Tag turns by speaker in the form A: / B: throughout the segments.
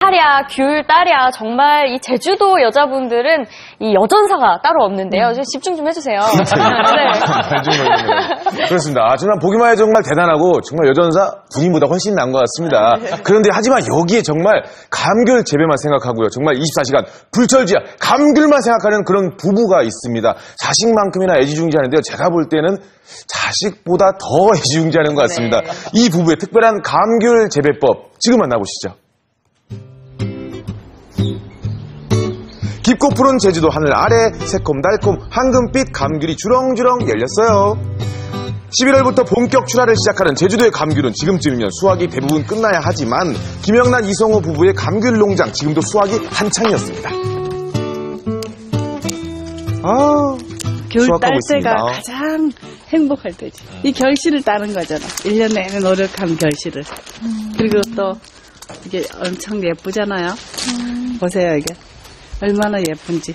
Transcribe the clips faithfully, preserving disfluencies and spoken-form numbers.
A: 딸이야, 귤, 딸이야. 정말 이 제주도 여자분들은 이 여전사가 따로 없는데요. 좀 집중 좀 해주세요.
B: 네. 그렇습니다. 아, 정말 보기만 해도 정말 대단하고 정말 여전사 군인보다 훨씬 나은 것 같습니다. 그런데 하지만 여기에 정말 감귤 재배만 생각하고요. 정말 이십사 시간 불철지야 감귤만 생각하는 그런 부부가 있습니다. 자식만큼이나 애지중지하는데요. 제가 볼 때는 자식보다 더 애지중지하는 것 같습니다.
A: 네.
B: 이 부부의 특별한 감귤 재배법 지금 만나보시죠. 깊고 푸른 제주도 하늘 아래 새콤달콤 황금빛 감귤이 주렁주렁 열렸어요. 십일월부터 본격 출하를 시작하는 제주도의 감귤은 지금쯤이면 수확이 대부분 끝나야 하지만 김영란 이성호 부부의 감귤 농장 지금도 수확이 한창이었습니다. 아,
C: 겨울 딸 때가
B: 있습니다.
C: 가장 행복할 때지. 이 결실을 따는 거잖아. 일 년 내내 노력한 결실을. 음. 그리고 또 이게 엄청 예쁘잖아요. 음. 보세요, 이게. 얼마나 예쁜지.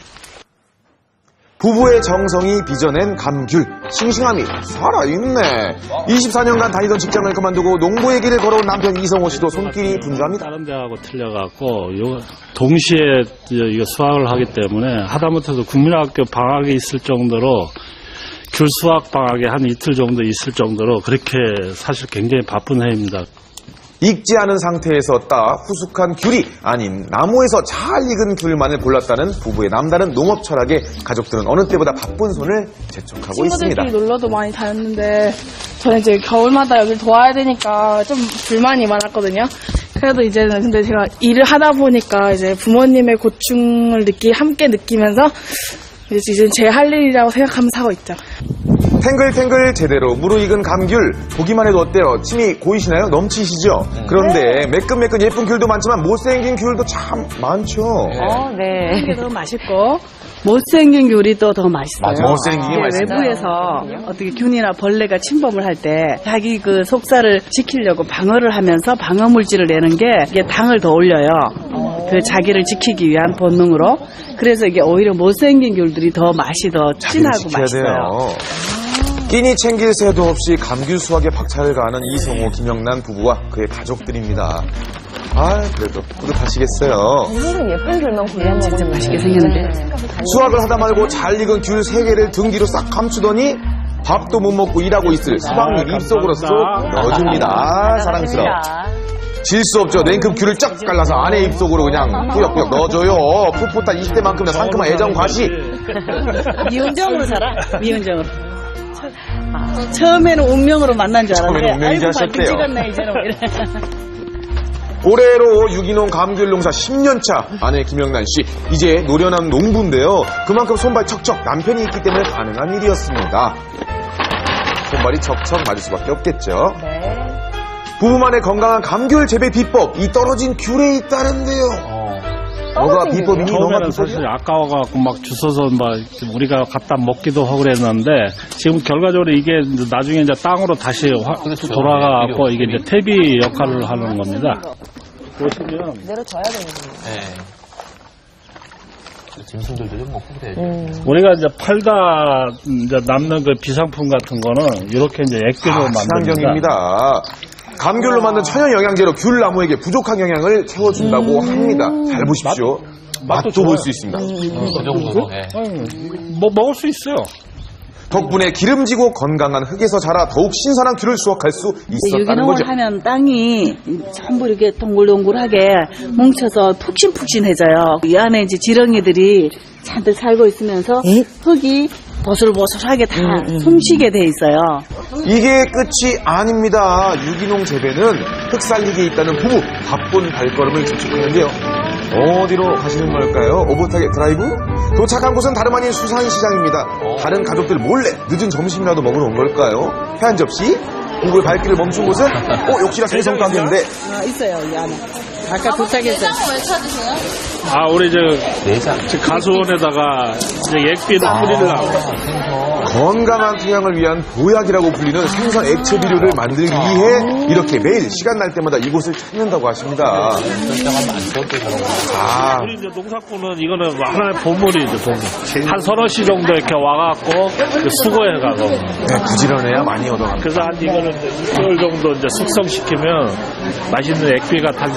B: 부부의 정성이 빚어낸 감귤, 싱싱함이 살아있네. 이십사 년간 다니던 직장을 그만두고 농부의 길을 걸어온 남편 이성호 씨도 손길이 분주합니다.
D: 다른 데하고 틀려갖고 요 동시에 이거 수확을 하기 때문에 하다못해도 국민학교 방학이 있을 정도로 귤 수확 방학이 한 이틀 정도 있을 정도로 그렇게 사실 굉장히 바쁜 해입니다.
B: 익지 않은 상태에서 따 후숙한 귤이 아닌 나무에서 잘 익은 귤만을 골랐다는 부부의 남다른 농업 철학에 가족들은 어느 때보다 바쁜 손을 재촉하고 있습니다.
E: 친구들끼리 놀러도 많이 다녔는데 저는 이제 겨울마다 여기를 도와야 되니까 좀 불만이 많았거든요. 그래도 이제는 근데 제가 일을 하다 보니까 이제 부모님의 고충을 느끼 함께 느끼면서 이제 제 할 일이라고 생각하면서 하고 있죠.
B: 탱글탱글 제대로 무르익은 감귤 보기만 해도 어때요? 침이 고이시나요? 넘치시죠? 그런데 매끈매끈 예쁜 귤도 많지만 못생긴 귤도 참 많죠.
A: 어, 네.
C: 이게 더 맛있고 못생긴 귤이 또 더 맛있어요.
B: 맞아, 못생긴 게
C: 네,
B: 맛있어요.
C: 외부에서 어떻게 균이나 벌레가 침범을 할 때 자기 그 속살을 지키려고 방어를 하면서 방어 물질을 내는 게 이게 당을 더 올려요. 그 자기를 지키기 위한 본능으로. 그래서 이게 오히려 못생긴 귤들이 더 맛이 더 진하고 맛있어요.
B: 돼요. 끼니 챙길 새도 없이 감귤 수확에 박차를 가하는 이성호, 김영란 부부와 그의 가족들입니다. 아, 그래도 뿌듯하시겠어요.
A: 오늘은 예쁜 귤만 골라
C: 진짜
A: 먹으면
C: 맛있게 생겼는데.
B: 수확을 하다 말고 잘 익은 귤 세 개를 등 뒤로 싹 감추더니 밥도 못 먹고 일하고 있을 서방님 입속으로 쏙 넣어줍니다. 아, 사랑스러워. 질 수 없죠. 냉큼 귤을 쫙 갈라서 아내 입속으로 그냥 꾸역꾸역 넣어줘요. 풋풋한 이십 대만큼이나 상큼한 애정 과시.
C: 미운정으로 살아. 미운정으로. 아, 처음에는 운명으로 만난 줄 알았는데
B: 처음에는 운명이지
C: 아이고
B: 하셨대요.
C: 찍었네 이제는 이래.
B: 올해로 유기농 감귤 농사 십 년 차 아내 김영란 씨 이제 노련한 농부인데요. 그만큼 손발 척척 남편이 있기 때문에 가능한 일이었습니다. 손발이 척척 맞을 수밖에 없겠죠.
A: 네.
B: 부부만의 건강한 감귤 재배 비법 이 떨어진 귤에 있다는데요.
D: 어.
B: 뭐가 비법이니? 뭐가
D: 처음에는 사실 아까워갖고 막 주워서 막 우리가 갖다 먹기도 하고 그랬는데 지금 결과적으로 이게 나중에 이제 땅으로 다시 화, 돌아가갖고 이게 이제 퇴비 역할을 하는 겁니다. 보시면
A: 내려줘야 되는 거예요.
F: 네. 짐승들도 좀 먹고 그래야죠.
A: 음.
D: 우리가 이제 팔다 이제 남는 그 비상품 같은 거는 이렇게 이제 액비로
B: 아,
D: 만듭니다.
B: 친환경입니다. 감귤로 만든 천연 영양제로 귤 나무에게 부족한 영양을 채워준다고
A: 음.
B: 합니다. 잘 보십시오. 맛도, 맛도 볼 수 있습니다.
F: 음, 그 정도로. 네.
D: 뭐 먹을 수 있어요.
B: 덕분에 기름지고 건강한 흙에서 자라 더욱 신선한 귤을 수확할 수 있었다는
C: 유기농을
B: 거죠.
C: 하면 땅이 전부 이렇게 동글동글하게 뭉쳐서 푹신푹신해져요. 이 안에 이제 지렁이들이 잔뜩 살고 있으면서 흙이 보슬보슬하게 다 숨쉬게 돼 있어요.
B: 이게 끝이 아닙니다. 유기농 재배는 흙 살리기에 있다는 부부 바쁜 발걸음을 재촉하는데요. 어디로 가시는 걸까요? 오붓하게 드라이브? 도착한 곳은 다름 아닌 수산시장입니다. 다른 가족들 몰래 늦은 점심이라도 먹으러 온 걸까요? 회 한 접시? 부부의 발길을 멈춘 곳은 어 역시나 생선 가게인데
C: 아, 있어요, 이 안에. 아까 도착했어요.
E: 왜 찾으세요?
D: 아, 우리 저,
F: 내장.
D: 저 가수원에다가 이제 액비를 뿌리려고.
B: 건강한 토양을 위한 보약이라고 불리는 생선 액체 비료를 만들기 위해 이렇게 매일 시간 날 때마다 이곳을 찾는다고 하십니다.
F: 설정하면 안 좋을 때 저런 거.
B: 아,
D: 우리 이제 농사꾼은 이거는 하나의 보물이죠, 보물. 한 서너 시 정도 이렇게 와갖고 수거해가고.
B: 네, 부지런해야 많이 얻어갑니다.
D: 그래서 한 이거는 이제 육 개월 정도 이제 숙성시키면 맛있는 액비가 탄생되는 거예요.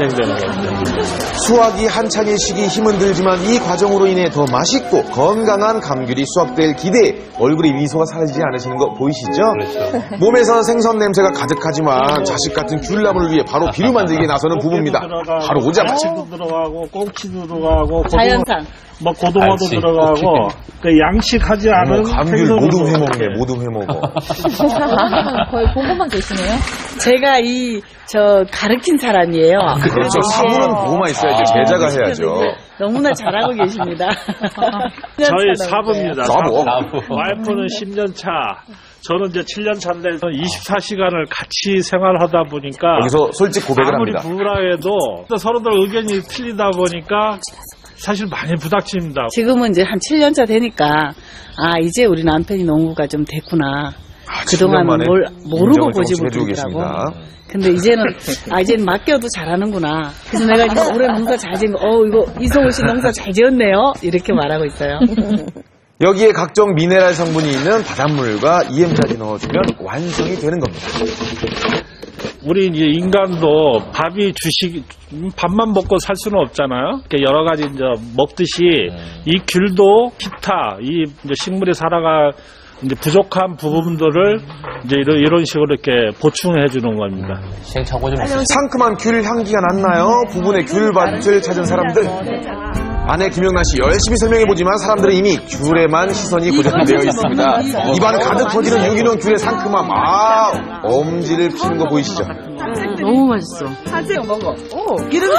B: 수확이 한창의 시기 힘은 들지만 이 과정으로 인해 더 맛있고 건강한 감귤이 수확될 기대에 얼굴에 미소가 사라지지 않으시는 거 보이시죠?
F: 그렇죠.
B: 몸에서 생선 냄새가 가득하지만 자식 같은 귤나무를 위해 바로 비료 만들기에 나서는 부부입니다. 바로 오자마자
D: 도 들어가고 꽁치도 들어가고
C: 자연산.
D: 뭐 고등어도
F: 알지.
D: 들어가고 그 양식하지 않은
B: 어, 감귤
D: 생선으로
B: 모두
D: 들어가게.
B: 해먹네, 모두 해먹어.
A: 거의 본것만 계시네요.
C: 제가 이 저 가르친 사람이에요.
B: 그렇죠. 사부는 보고만 있어야죠. 제자가 해야죠.
C: 너무나 잘하고 계십니다.
D: 저희 사부입니다.
B: 사부.
F: 사부.
D: 와이프는 십 년 차. 저는 이제 칠 년 차인데 이십사 시간을 같이 생활하다 보니까
B: 여기서 솔직 고백을
D: 아무리
B: 합니다.
D: 부부라 해도 또 서로들 의견이 틀리다 보니까 사실 많이 부닥칩니다.
C: 지금은 이제 한 칠 년 차 되니까 아 이제 우리 남편이 농구가 좀 됐구나.
B: 아, 칠 년
C: 그동안은
B: 만에
C: 뭘 모르고
B: 인정을
C: 고집을
B: 조금씩 해주고
C: 부리더라고.
B: 계십니다.
C: 근데 이제는 아 이제는 맡겨도 잘하는구나. 그래서 내가 이거 올해 농사 잘 지은 거, 어 이거 이성우 씨 농사 잘 지었네요. 이렇게 말하고 있어요.
B: 여기에 각종 미네랄 성분이 있는 바닷물과 이엠까지 넣어주면 완성이 되는 겁니다.
D: 우리 이제 인간도 밥이 주식 밥만 먹고 살 수는 없잖아요. 그러니까 여러 가지 이제 먹듯이 이 귤도 기타 이 이제 식물이 살아가 이제 부족한 부분들을 이제 이런, 이런 식으로 이렇게 보충해 주는 겁니다.
F: 시행착오 좀 있어요.
B: 상큼한 귤 향기가 났나요? 부분의 귤밭을 찾은 사람들. 아내 김영란 씨 열심히 설명해보지만 사람들은 이미 귤에만 시선이 고정이 되어 있습니다. 입안 가득 퍼지는 유기농 귤의 상큼함. 아, 엄지를 피는 거 보이시죠?
C: 너무 맛있어. 하세요 먹어. 오 기름도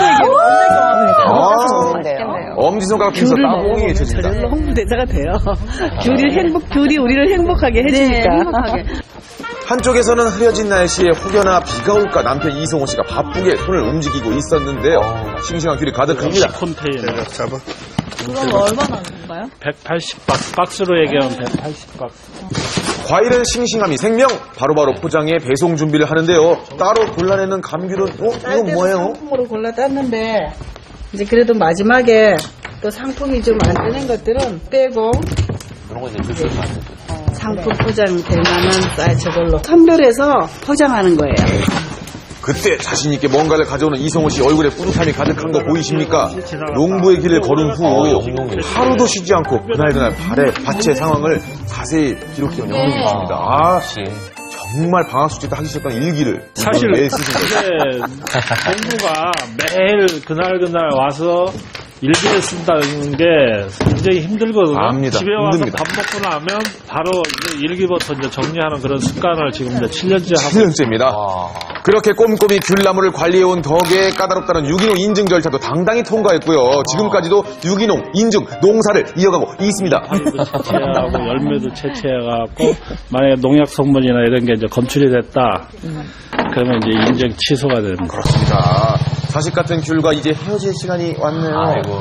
B: 아, 엄지손가락 피면서 따봉이 외쳐집니다.
C: 저절로 홍보대사가 돼요. 귤이 행복, 귤이 우리를 행복하게 해주니까.
B: 한쪽에서는 흐려진 날씨에 혹여나 비가 올까 남편 이성호 씨가 바쁘게 손을 움직이고 있었는데요. 싱싱한 귤이 가득합니다.
D: 컨테이너.
B: 잡아.
A: 그럼 얼마나 하는가요?
D: 백팔십 박스, 박스로 얘기하면 백팔십 박스.
B: 과일은 싱싱함이 생명. 바로바로 포장해 배송 준비를 하는데요. 따로 골라내는 감귤은 어? 이건 뭐예요?
C: 상품으로 골라 땄는데 이제 그래도 마지막에 또 상품이 좀 안 되는 것들은 빼고
F: 그런 거 이제 줄줄 안 되죠.
C: 상품 포장 될 만한 사이즈 저걸로 선별해서 포장하는 거예요.
B: 그때 자신있게 뭔가를 가져오는 이성호 씨 얼굴에 뿌듯함이 가득한 거 보이십니까? 농부의 길을 걸은 후 하루도 쉬지 않고 그날그날 발의 밭의 상황을 자세히 기록해온 영상이 있습니다. 아,
F: 역시.
B: 정말 방학 숙제 때 하기 싫었던 일기를
D: 사실
B: 매일 쓰신 거죠.
D: 공부가 매일 그날 그날 와서 일기를 쓴다는 게 굉장히 힘들거든요.
B: 압니다.
D: 집에 와서
B: 힘듭니다.
D: 밥 먹고 나면 바로 이제 일기부터 이제 정리하는 그런 습관을 지금 이제 칠 년째 하고
B: 칠 년째입니다.
F: 와.
B: 그렇게 꼼꼼히 귤나무를 관리해온 덕에 까다롭다는 유기농 인증 절차도 당당히 통과했고요. 지금까지도 유기농 인증 농사를 이어가고 있습니다.
D: 파이도 채취하고 열매도 채취해갖고 만약에 농약 성분이나 이런 게 이제 검출이 됐다. 그러면 이제 인증 취소가 됩니다.
B: 그렇습니다. 자식 같은 귤과 이제 헤어질 시간이 왔네요.
F: 아이고.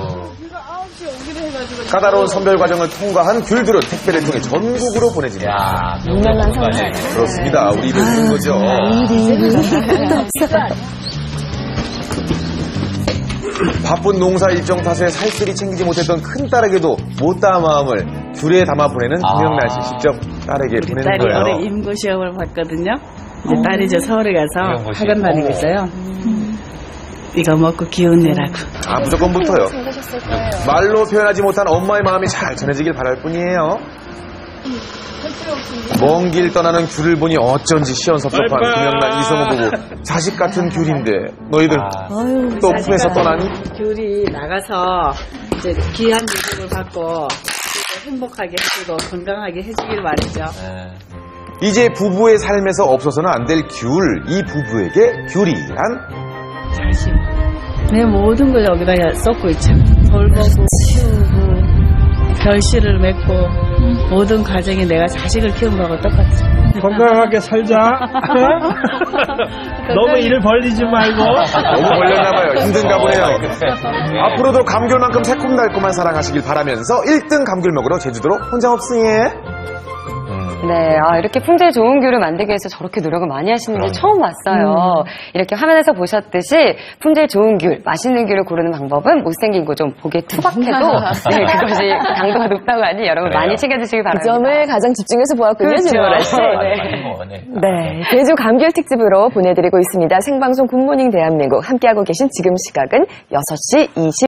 B: 까다로운 선별 과정을 통과한 귤들은 택배를 통해 전국으로 보내집니다.
F: 야, 유명한 상상.
B: 그렇습니다. 우리 입에 있는 거죠. 바쁜 농사 일정 탓에 살뜰히 챙기지 못했던 큰 딸에게도 못다한 마음을 귤에 담아 보내는 김영란 씨 직접 딸에게 보내는
C: 딸이
B: 거예요.
C: 올해 임고 시험을 봤거든요. 이제 딸이 저 서울에 가서
F: 임고 시험.
C: 학원 다니고 있어요. 이거 먹고 기운 내라고.
B: 아, 무조건 붙어요. 말로 표현하지 못한 엄마의 마음이 잘 전해지길 바랄 뿐이에요. 먼 길 떠나는 귤을 보니 어쩐지 시원섭섭한
D: 바이바이.
B: 김영란 이성호 부부. 자식 같은 귤인데 너희들
F: 아.
B: 또 품에서 떠나니?
C: 귤이 나가서 이제 귀한 일을 받고 행복하게 해주고 건강하게 해주길 말이죠.
F: 네.
B: 이제 부부의 삶에서 없어서는 안 될 귤. 이 부부에게 귤이란
C: 자신. 내 모든 걸 여기다 쏟고 있죠. 돌보고 키우고 결실을 맺고 모든 과정이 내가 자식을 키운 거하고 똑같죠.
D: 건강하게 살자. 너무 일 벌리지 말고.
B: 너무 걸렸나봐요. 힘든가 보네요.
F: 네.
B: 앞으로도 감귤만큼 새콤달콤한 사랑하시길 바라면서 일 등 감귤 먹으러 제주도로 혼자 없으니.
F: 음.
A: 네, 아, 이렇게 품질 좋은 귤을 만들기 위해서 저렇게 노력을 많이 하시는 게 처음 봤어요. 이렇게 화면에서 보셨듯이 품질 좋은 귤, 맛있는 귤을 고르는 방법은 못생긴 거 좀 보기에 투박해도 네, 그것이 당도가 높다고 하니 여러분
F: 그래요.
A: 많이 챙겨주시기
G: 그
A: 바랍니다.
G: 점을 가장 집중해서 보았군요,
A: 그렇죠.
G: 진보라 씨.
A: 네.
G: 네, 제주 감귤 특집으로 보내드리고 있습니다. 생방송 굿모닝 대한민국 함께하고 계신 지금 시각은 여섯 시 이십